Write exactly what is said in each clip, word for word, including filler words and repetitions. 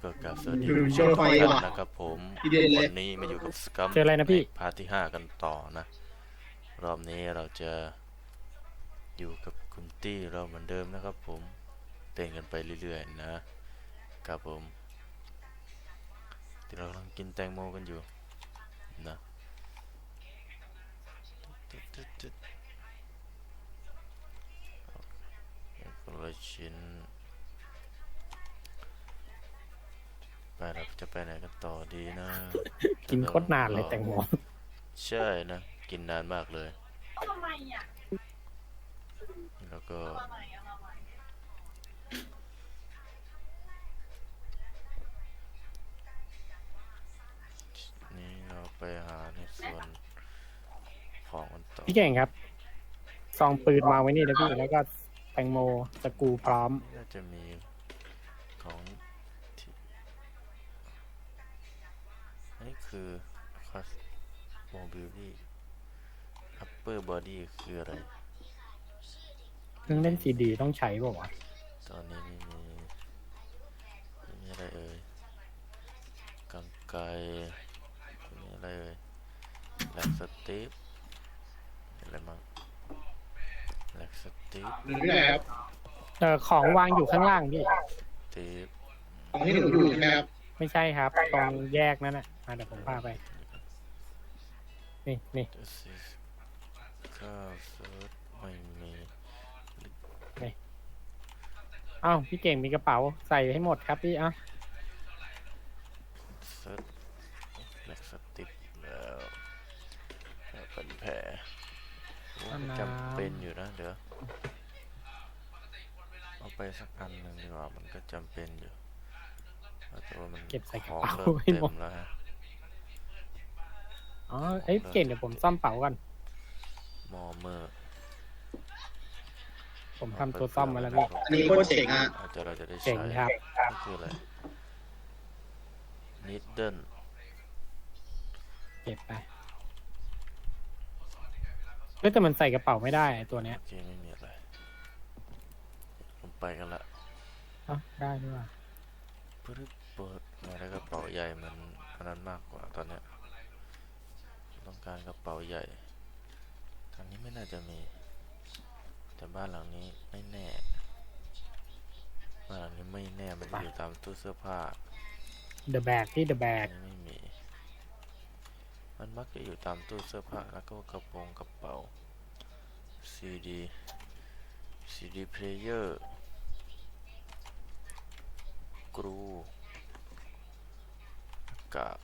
ก็กราบสวัสดีดูผู้โชชมว์ทุกไฟท่านว่ะนะครับผมทีเด็ดเลยวันนี้มาอยู่กับสกัมเจออะไรนะพี่พาร์ทที่ห้ากันต่อนะ รอบนี้เราจะอยู่กับคุณตี้เราเหมือนเดิมนะครับผมเต้นกันไปเรื่อยๆนะครับผมที่เรากำลังกินแตงโมกันอยู่นะคนละชิ้นไปเราจะไปไหนกันต่อดีนะกินโคตรนานเลยแตงโมใช่นะกินนานมากเลยทำไมอ่ะแล้วก็ทำไมอ่ะทำไมนี่เราไปหาในส่วนของกันต่อพี่เก่งครับซองปืนวางไว้นี่นะพี่แล้วก็แตงโมสกรูพร้อมน่าจะมีของที่นี่คือคัสโมบิลี่อัปเปอร์บอดี้คืออะไรเครื่องเล่นซีดีต้องใช้ป่าวะตอนนี้ไม่มีไม่มีอะไรเอ่ยกังไกรไม่มีอะไรเอ่ยแล็กสตีฟอะไรมั้งแล็กสตีฟหนูอยู่ไหนครับเออของวางอยู่ข้างล่างพี่ตีฟของที่หนูอยู่ใช่ไหมครับไม่ใช่ครับ ตรงแยกนั่นน่ะอ่ะเดี๋ยวผมพาไป นี่นี่เดซิสข้าวเซิร์ชไม่มีอ้าวพี่เก่งมีกระเป๋าใส่ให้หมดครับพี่อ่ะเซิร์ชแล็กสติปแล้วแล้วเป็นแผลโอ้จำเป็นอยู่นะเดี๋ยวเอาไปสักอันหนึ่งดีกว่ามันก็จำเป็นอยู่แต่ว่ามันเก็บใส่กขระองเป๋าเริ่มให้เต็หมดมแล้วฮะอ๋อเอ้ยพี่เก่งเดี๋ยวผมซ่อมเป๋าก่อนมอเมอร์ผมทำตัวซ่อมมาแล้วพี่อันนี้โคตรเจ๋งอ่ะอาจจะเราจะได้เจ๋ใช้งครับนี่คืออะไรนิดเดิลเก็บไปเฮ้ยแต่มันใส่กระเป๋าไม่ได้ไอ้ตัวเนี้ยโอเคไม่มีอะไรลงไปกันละเอ้าได้ด้วยว่ะเพื่อเปิดมาแล้วกระเป๋าใหญ่มันอันนั้นมากกว่าตอนเนี้ยต้องการกระเป๋าใหญ่ทางนี้ไม่น่าจะมีแต่บ้านหลังนี้ไม่แน่บ้านหลังนี้ไม่แน่มันจะอยู่ตามตู้เสื้อผ้าเดอะแบกที่เดอะแบอักนนี้ไม่มี มันมักจะอยู่ตามตู้เสื้อผ้าแล้วก็กระโปรงกระเป๋า ซีดี ซีดีเพลเยอร์ กรูกาก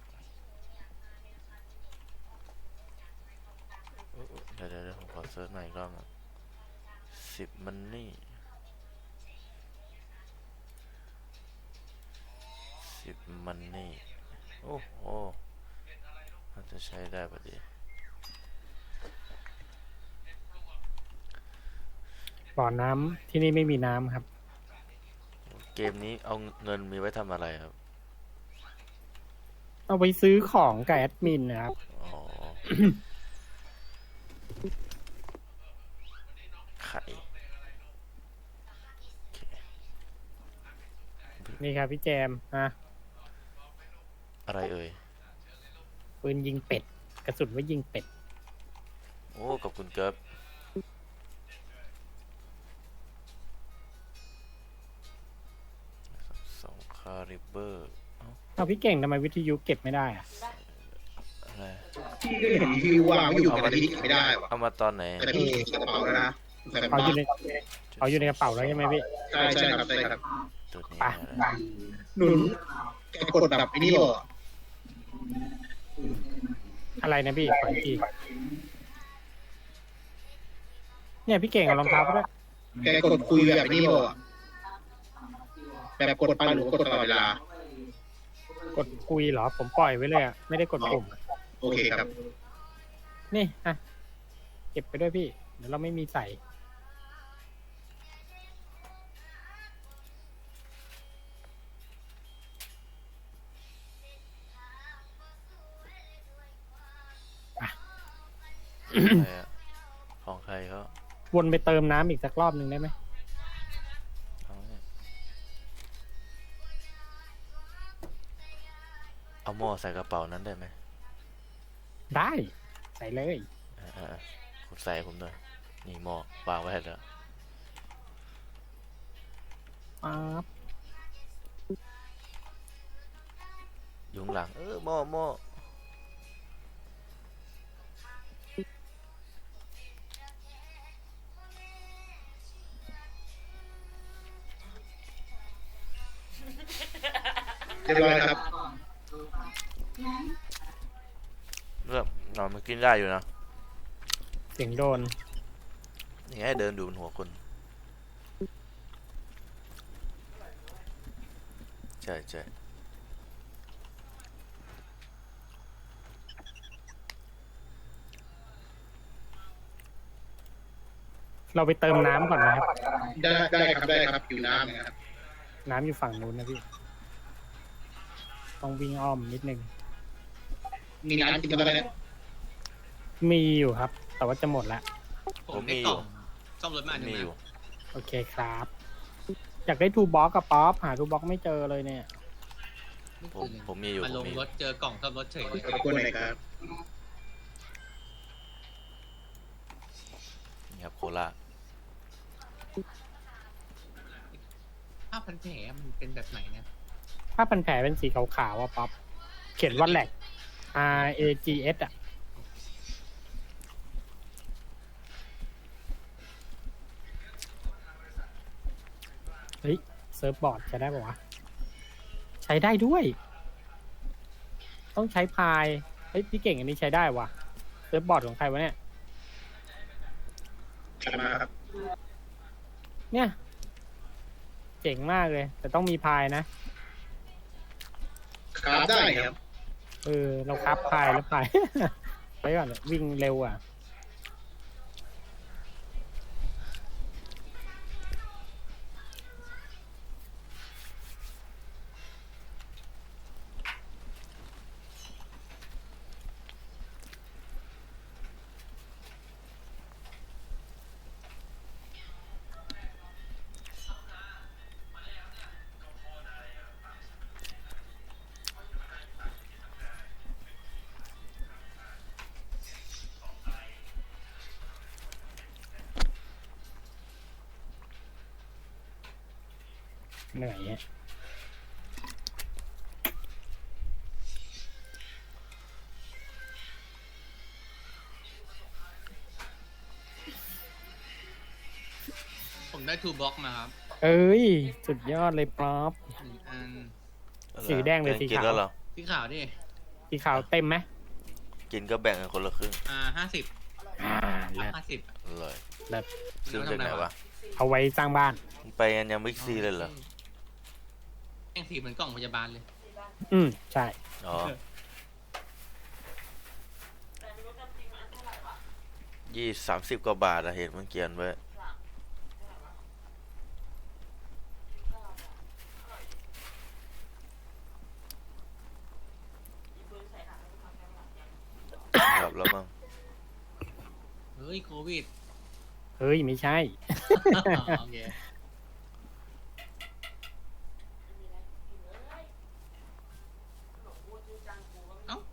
เอ้ยเดี๋ยวเดี๋ยวเดี๋ยวผมขอเซิร์ชใหม่อีกรอบนะสิบมันนี่สิบมันนี่โอ้โหน่าจะใช้ได้พอดีบ่อน้ำที่นี่ไม่มีน้ำครับเกมนี้เอาเงินมีไว้ทำอะไรครับเอาไปซื้อของกับแอดมินนะครับอ๋อ ไข่โอเคนี่ครับพี่แจมฮะอะไรเอ่ยปืนยิงเป็ด กระสุนไว้ยิงเป็ดโอ้ขอบคุณครับสองคาริเบอร์เอาพี่เก่งทำไมวิทยุเก็บไม่ได้อะอะไรพี่ก็เห็นที่วางไว้อยู่กับอันนี้ไม่ได้ว่ะเอามาตอนไหนแต่พี่กระเป๋าแล้วนะใส่กระเอาเป๋าอยู่ในเอาอยู่ในกระเป๋าแล้วใช่ไหมพี่ใช่ใช่ครับใช่ครับตัวนี้ไปนะหนุนแกกดแบบไอ้นี่บอกอะไรนะพี่ขออีกทีเนี่ยพี่เก่งเอารองเท้าไปด้วยแกกดคุยแบบไอ้นี่บอกแบบกดไปหรือกดตลอดเวลากดคุยเหรอ ผมปล่อยไว้เลยอ่ะ ไม่ได้กดปุ่มโอเคครับนี่อ่ะเก็บไปด้วยพี่ เดี๋ยวเราไม่มีใส่อะไรอะของใครเขาวนไปเติมน้ำอีกสักรอบหนึ่งได้ไหมเอาเนี่ยเอาหม้อใส่กระเป๋านั้นได้ไหมได้ ใส่เลยเออเออเออคุณใส่ให้ผมด้วยนี่หม้อวางไว้ให้แล้วป๊าบอยู่ข้างหลังเออหม้อหม้อเรียบร้อยครับเรื่องนอนมันกินได้อยู่นะเสียงโดนนี่ให้เดินดูบนหัวคนใช่ใช่เราไปเติมน้ำก่อนนะครับได้ได้ครับได้ครับอยู่น้ำนะครับน้ำอยู่ฝั่งนู้นนะพี่ ต้องวิ่งอ้อมนิดนึงมีน้ำกินกันไหมเนี่ยมีอยู่ครับ แต่ว่าจะหมดละผมได้กล่องซ่อมรถมาหนึ่งมีนะอยู่โอเคครับ อยากได้ทูบ็อกกับป๊อปหาทูบ็อกไม่เจอเลยเนี่ยผมผมมีอยู่มาผลมงมีรถเจอกล่องซ่อมรถเฉยขอบคุณหน่อยครับนี่ครับโคลาผ้าพันแผลมันเป็นแบบไหนเนี่ยถ้าพันแผลเป็นสีขาวๆอ่ะป๊อป เขียนว่าแหลก R A G S อ่ะ เฮ้ย เซิร์ฟบอร์ดใช้ได้ปะวะ ใช้ได้ด้วย ต้องใช้พาย เฮ้ย พี่เก่งอันนี้ใช้ได้วะเซิร์ฟบอร์ดของใครวะเนี่ยกลับมาครับเนี่ย เจ๋งมากเลย แต่ต้องมีพายนะครับได้ครับเออ เราคับพายแล้วพาย ไปก่อนเลยวิ่งเร็วอ่ะ เหนื่อยอะผมได้ทูบ็อกมาครับเอ้ย สุดยอดเลยป๊อปหนึ่งอันสีแดงหรือสีกินขาวแล้วเหรอสีขาวดิสีขาวเต็มไหมกินก็แบ่งกันคนละครึ่งอ่าห้าสิบอ่าเลิศห้าสิบอร่อยเลิศซื้อจากไหนวะเอาไว้สร้างบ้านมึงไปกันยังบิ๊กซีเลยเหรอแม่งสีเหมือนกล่องพยาบาลเลยอืม ใช่อ๋อยี่สามสิบกว่าบาทอะเห็นมันเขียนไว้ครับแล้วมั้งเฮ้ยโควิดเฮ้ย ไม่ใช่โอเคเอ้า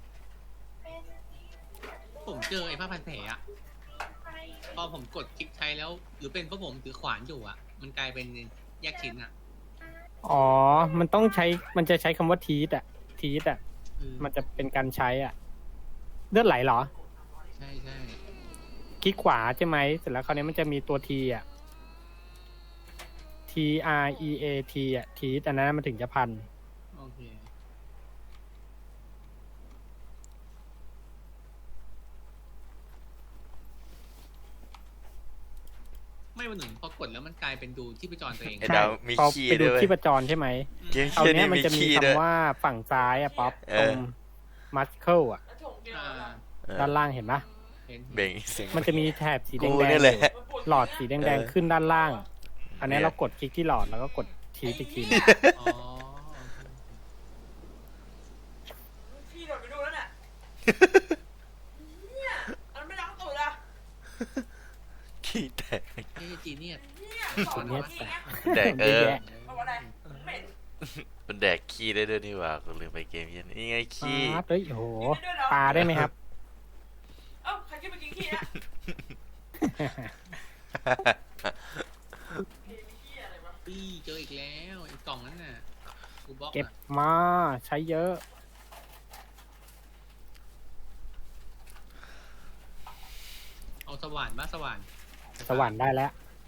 ผมเจอไอ้ผ้าพันแผลอะพอผมกดคลิกใช้แล้ว หรือเป็นเพราะผมถือขวานอยู่อะมันกลายเป็นแยกชิ้นอะอ๋อ มันต้องใช้ มันจะใช้คำว่าทีสอ่ะ ทีสอ่ะเออมันจะเป็นการใช้อ่ะ เลือดไหลเหรอใช่ใช่คลิกขวาใช่ไหม เสร็จแล้วคราวนี้มันจะมีตัวทีอ่ะ T R E A T อ่ะ ทีสอันนั้นมันถึงจะพันโอเคไม่วันหนึ่งพอกดแล้วมันกลายเป็นดูที่ประจรตัวเองไอ้ใช่ดาวมีพอขี้ไปดูด้วยเว้ยที่ประจรใช่ไหมเกมเอาขี้เนี้นี่ยมันมีจะมีขี้ด้วยคำว่าฝั่งซ้ายอ่ะป๊อปเอตรองมัสเคิลอ่ะอ่าเออด้านล่างเห็นปะเห็นเบ่งเสียงมันจะมีแถบสีแดกูงนี่แหละๆหลอดสีแดงเออๆขึ้นด้านล่าง อันนี้เนี่ยเรากดคลิกที่หลอดแล้วก็กดทีอีกทีหนึ่งอ๋อพี่โดดไปดูแล้วเนี่ยเนี่ยมันไม่ล้างตูดอะขี้แตกเฮ้ยจีเนียสเนี่ยสอนเนี่มาย ที่แตกเนี่ยแตกเออเยอะแยะเอาอะไรเหม็นมันแดกขี้ได้ด้วยนี่หว่ากูลืมไปเกมเย็นนี่ไงปขี้ลาเฮ้ยโอ้โหกินได้ด้วยเหรอปลาได้ไหมครับเอ้าใครกินไปกินขี้อะเฮ้ยขี้อะไรวะปี้เจออีกแล้วไอ้กล่องนั้นน่ะกูบล็อกเก็บอะมาใช้เยอะเอาสว่านมาสว่านสวรรค์ได้แล้ว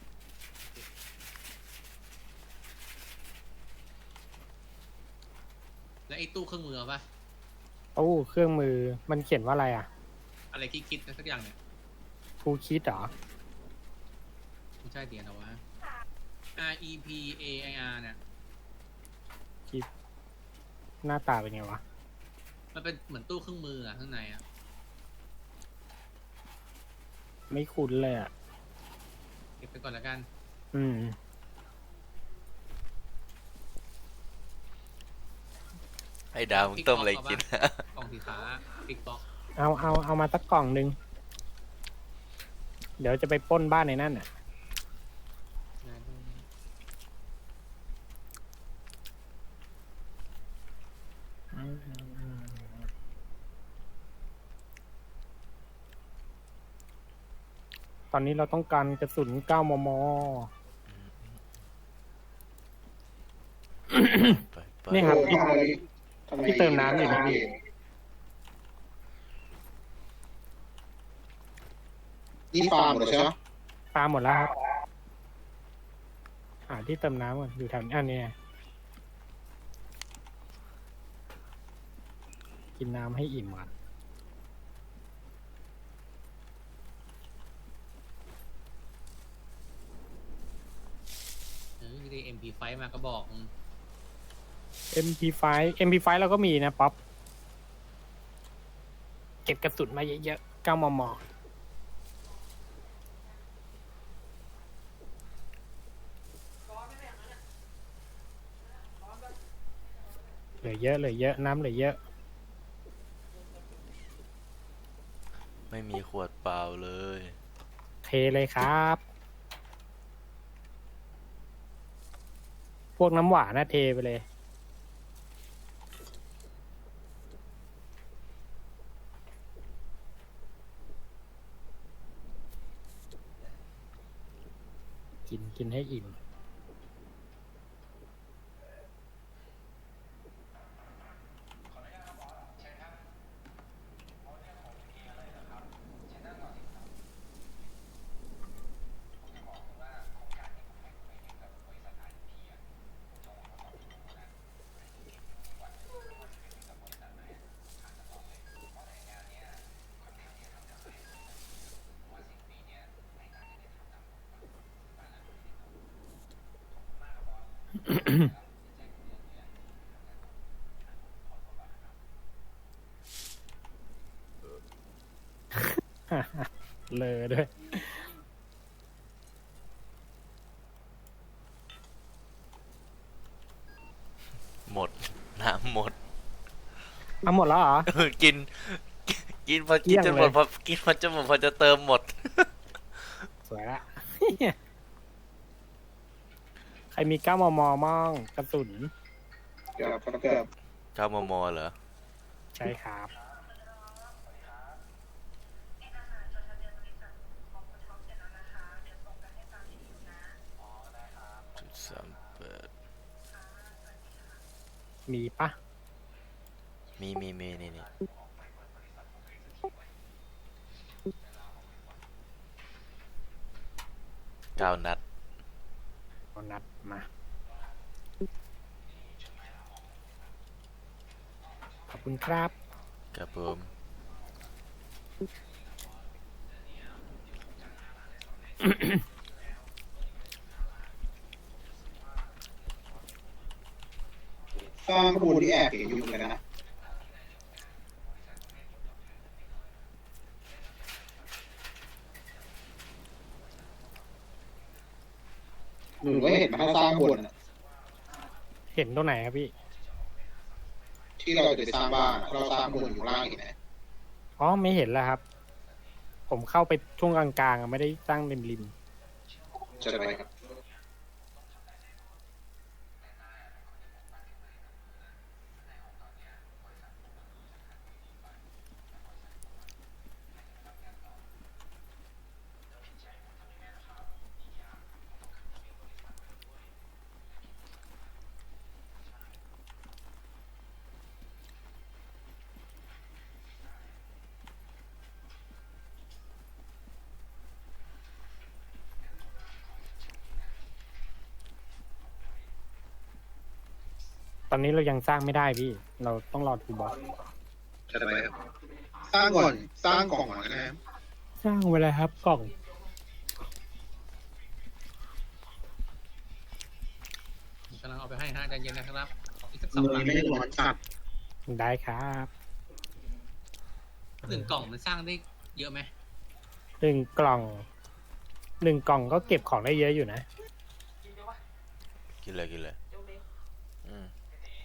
แล้วไอ้ตู้เครื่องมือเอาปะโอ้เครื่องมือมันเขียนว่าอะไรอ่ะอะไรที่คิดนะสักอย่างเนี่ยทูคิดเหรอไม่ใช่เดียนเอาวะ R E P A I R เนี่ยคิดหน้าตาเป็นไงวะมันเป็นเหมือนตู้เครื่องมืออะข้างในอะไม่คุ้นเลยอ่ะเก็บไปก่อนแล้วกันอืมให้ดาวมึงต้มอะไรกินกล่องสีฟ้าบิ๊กบ็อกเอาเอาเอามาสักกล่องหนึ่งเดี๋ยวจะไปปล้นบ้านในนั่นอ่ะ ตอนนี้เราต้องการกระสุน เก้ามม. ไปไปนี่ครับโอ้ทำอะไรทำไพี่เติมน้ำอยู่นะพี่นี่ฟาร์มหมดเลยใช่ไหมปลาหมดแล้วครับ หาที่เติมน้ำก่อนอยู่แถวนี้อันนี้ไงกินน้ำให้อิ่มก่อนเออได้ เอ็ม พี ไฟว์ มากระบอกเอ็ม พี ไฟว์ เอ็ม พี ไฟว์ เราก็มีนะป๊อป เก็บกระสุนมาเยอะๆ เก้ามม. ร้อนไหมเนี่ยงั้นอะร้อนปะเหลือเยอะเหลือเยอะ น้ำเหลือเยอะไม่มีขวดเปล่าเลยเทเลยครับ พวกน้ำหวานนะเทไปเลย กินกินให้อิ่ม เลอด้วยหมด น้ำหมดเอาหมดแล้วเหรอกิน กินพอเกลี้กินยงจนหมดเลยพอกินพอจะหมดพอจะเติมหมดสวยละ ใครมีเก้ามมมั่งกระสุนเกือบเกือบเก้ามมเหรอใช่ครับจุดสามแปดมีปะมีมีมีนี่นี่เก้านัดเอานัดมา ขอบคุณครับครับผมสร้างข้อมูลที่แอบเก๋อยู่เลยนะหนูก็เห็นมาสร้างบนอะเห็นตรงไหนครับพี่ที่เราจะไปสร้างบ้านเราสร้างบนอยู่ล่างเห็นไหมอ๋อ ไม่เห็นแล้วครับ ผมเข้าไปช่วงกลางๆอะไม่ได้ตั้งริมริมจะไปครับตอนนี้เรายังสร้างไม่ได้พี่ เราต้องรอทูบอสจะไปครับสร้างก่อนสร้างกล่องก่อนนะครับสร้างไว้แล้วครับกล่องกำลังเอาไปให้ฮะใจเย็นนะครับอีกสักสเมืององหลังไม่ได้ร้อนจัดได้ครับหนึ่งกล่องมันสร้างได้เยอะไหมหนึ่งกล่อง หนึ่งกล่องก็เก็บของได้เยอะอยู่นะกินเดี๋ยววะกินเลยกินเลยเดี๋ยวเด็กอืม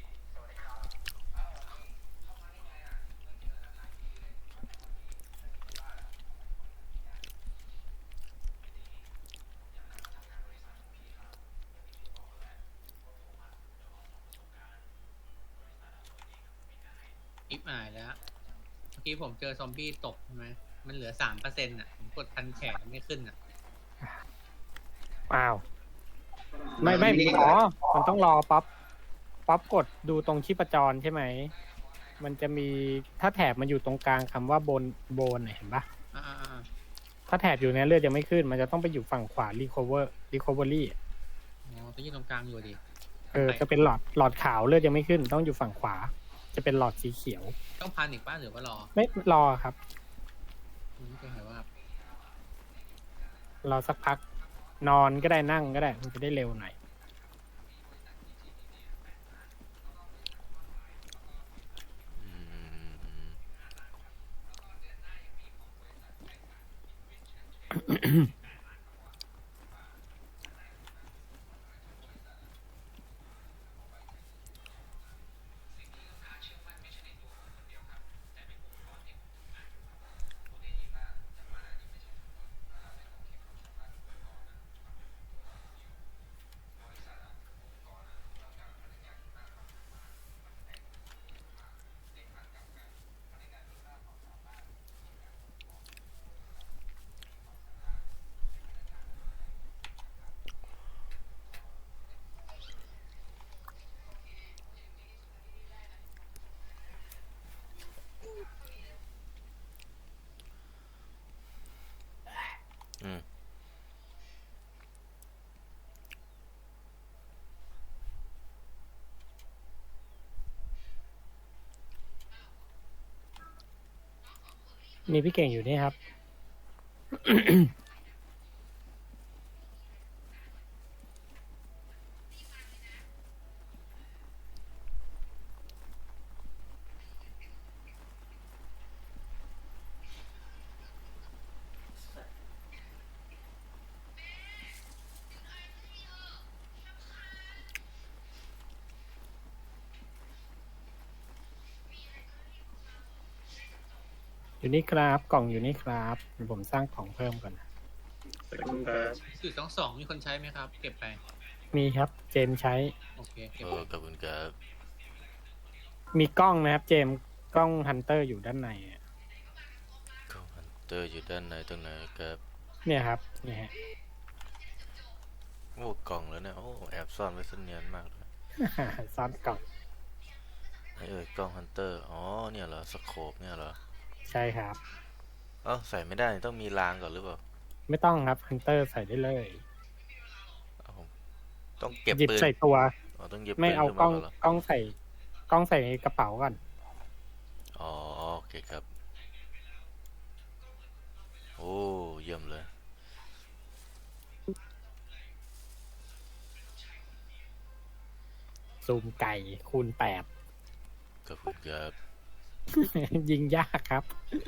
อิฟอายแล้วเมื่อกี้ผมเจอซอมบี้ตกใช่ไหมมันเหลือสามเปอร์เซ็นต์อ่ะผมกดพันแขนไม่ขึ้นอ่ะอ้าว ไม่ไม่อ๋อ มันต้องรอป๊อปป๊อปกดดูตรงชีพจรใช่ไหม มันจะมีถ้าแถบมันอยู่ตรงกลางคำว่าบนโบนเห็นปะอ่าอ่าถ้าแถบอยู่เนี่ยเลือดยังไม่ขึ้น มันจะต้องไปอยู่ฝั่งขวา recover recovery อ๋อตัวยี่ตรงกลางอยู่ดิเออ จะเป็นหลอดหลอดขาวเลือดยังไม่ขึ้น ต้องอยู่ฝั่งขวา จะเป็นหลอดสีเขียวต้องพันอีกป้าหรือว่ารอไม่รอครับไม่เคยเห็นว่ารอสักพัก นอนก็ได้นั่งก็ได้ มันจะได้เร็วหน่อยอืม อืมมีพี่เก่งอยู่นี่ครับ อยู่นี่ครับ กล่องอยู่นี่ครับเดี๋ยวผมสร้างของเพิ่มก่อนนะสื่อสองสองมีคนใช้ไหมครับ เก็บไปมีครับ เจมส์ใช้โอเคเก็บเอไปอขอบคุณครับมีกล้องนะครับ เจมส์กล้องฮันเตอร์อยู่ด้านในอะกล้องฮันเตอร์อยู่ด้านในตรงไหนครับเนี่ยครับเนี่ยฮะโอ้กล่องแล้วเนี่ย โอ้แอบซ่อนไว้ซะเนียนมากเลยซ่อนกล่องไอ้เอ่ยกล้องฮันเตอร์ อ๋อ เนี่ยเหรอ สโคปเนี่ยเหรอใช่ครับเอ้าใส่ไม่ได้นี่ต้องมีรางก่อนหรือเปล่าไม่ต้องครับฮันเตอร์ใส่ได้เลยเอ้าผมต้องเก็บหยิบปืนใส่ตัวอ๋อต้องหยิบไม่ปืนเอาขึ้นกล้มาองก่อนเหรอกล้องใส่กล้องใส่ในกระเป๋าก่อนอ๋อโอเคครับ โอ้เยี่ยมเลยซูมไก่คูณแปดขอบคุณครับยิงยากครับ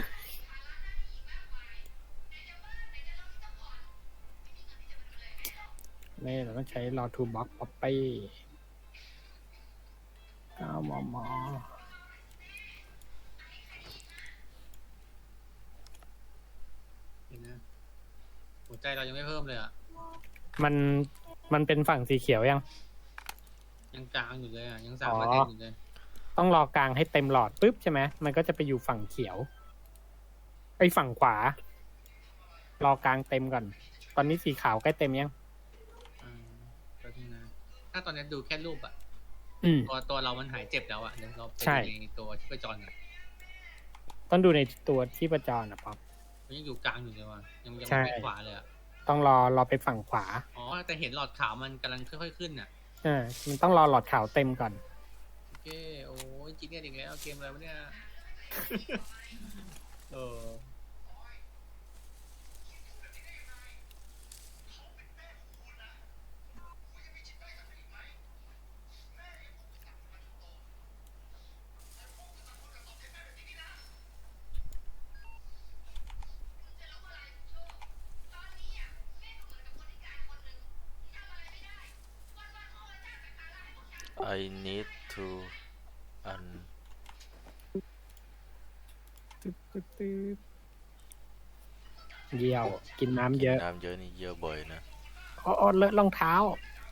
นี่เราต้องใช้รอทูบ็อกป๊อปปี้เก้ามมเห็นนะหัวใจเรายังไม่เพิ่มเลยอ่ะมันมันเป็นฝั่งสีเขียวยังยังกลางอยู่เลยอ่ะยังสามอ๋อเปอร์เซ็นต์อยู่เลยต้องรอกลางให้เต็มหลอดปุ๊บใช่ไหมมันก็จะไปอยู่ฝั่งเขียวไอ้ฝั่งขวา รอกลางเต็มก่อน ตอนนี้สีขาวใกล้เต็มยังอ่าแป๊บนึงนะถ้าตอนนี้ดูแค่รูปอ่ะอืมตัวตัวเรามันหายเจ็บแล้วอ่ะเดี๋ยวเราไปใช่ดูในตัวที่ประจรอ่ะต้องดูในตัวที่ประจรนะป๊อปมันยังอยู่กลางอยู่เลยว่ะยังยังใช่ไม่ขวาเลยอ่ะต้องรอรอไปฝั่งขวาอ๋อแต่เห็นหลอดขาวมันกำลังค่อยๆขึ้นอ่ะอ่ามันต้องรอหลอดขาวเต็มก่อนกินเนี่ยอีกแล้วเกมอะไรวะเนี่ยเออ I need to un ตึ๊บตึ๊บตึ๊บเยี่ยว กินน้ำเยอะน้ำเยอะนี่เยอะบ่อยนะอ๋อเลอะรองเท้า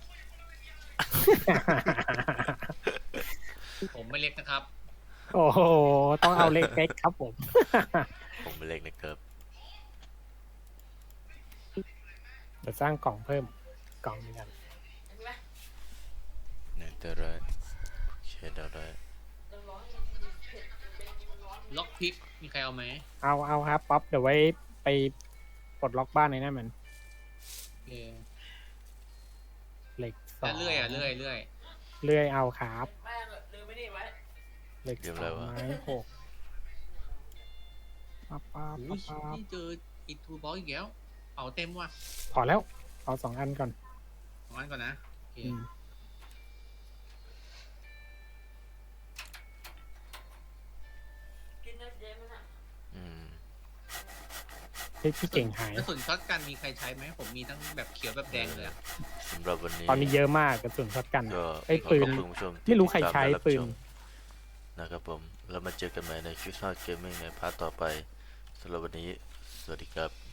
ผมไม่เล็กนะครับโอ้โห ต้องเอาเล็กๆครับผมผมเป็นเล็กนะครับเดี๋ยวสร้างกล่องเพิ่มกล่องหนึงกันเห็นไหมเนี่ยแต่ไรเชดเอาได้เดี๋ยวร้อนเผ็ดเป็นมันร้อนล็อกพิกมีใครเอาไหมเอาเอาครับป๊อปเดี๋ยวไว้ไปปลดล็อกบ้านในนั้นเหมือนโอเคเหล็กสอแล้วงเลื่อยอ่ะเลื่อยเลื่อยเลื่อยเอาครับแม่งลืมไม่ได้ไว้เหล็กสองไม้หกปั๊บปั๊บโอ้ปั๊ยบปั๊บนี่เจออีทูบอลอีกแล้วเป่าเต็มว่ะพอแล้วเอาสองอันก่อนของอันก่อนนะโอเคอืมกินได้เยอะไหมน่ะอืมเฮ้ยพี่เก่งหายกระสุนช็อตกันมีใครใช้ไหมผมมีทั้งแบบเขียวแบบแดงเลยอะสำหรับวันนี้ตอนนี้เยอะมากกระสุนช็อตกันก็ไอ้ยขอปืขนอบคุณผู้ชมที่ไม่รู้ใครติดตามใช้และบปืนชมนะครับผมแล้วมาเจอกันใหม่ในคลิปหน้าเกมมิ่งในพาร์ทต่อไปสำหรับวันนี้สวัสดีครับ